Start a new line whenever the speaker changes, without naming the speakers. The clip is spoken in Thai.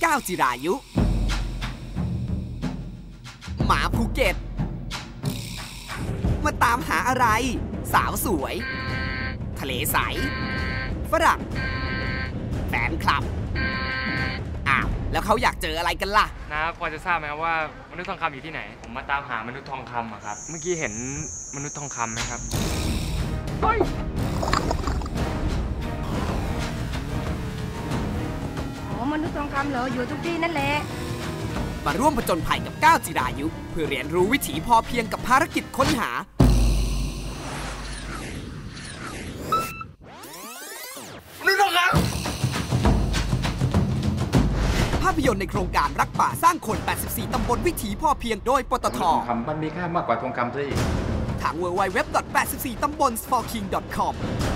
ก้าวจิรายุหมาภูเก็ตมาตามหาอะไรสาวสวยทะเลใสฝรั่งแฟนคลับอ้าวแล้วเขาอยากเจออะไรกันล่ะ
นะพอจะทราบไหมครับว่ามนุษย์ทองคำอยู่ที่ไหนผมมาตามหามนุษย์ทองคำอะครับเมื่อกี้เห็นมนุษย์ทองคำไหมครับเฮ้ย
มนุษย์ทองคำเหรออยู่ทุกที่นั่นแหละ
มาร่วมผจญภัยกับก้าวจิรายุเพื่อเรียนรู้วิถีพอเพียงกับภารกิจค้นหามนุษย์ทองคำภาพยนตร์ในโครงการรักป่าสร้างคน84ตำบลวิถีพอเพียงโดยปตท.
มันมีค่ามากกว่าทองคำซะอีก
ทาง www.84tambons4king.com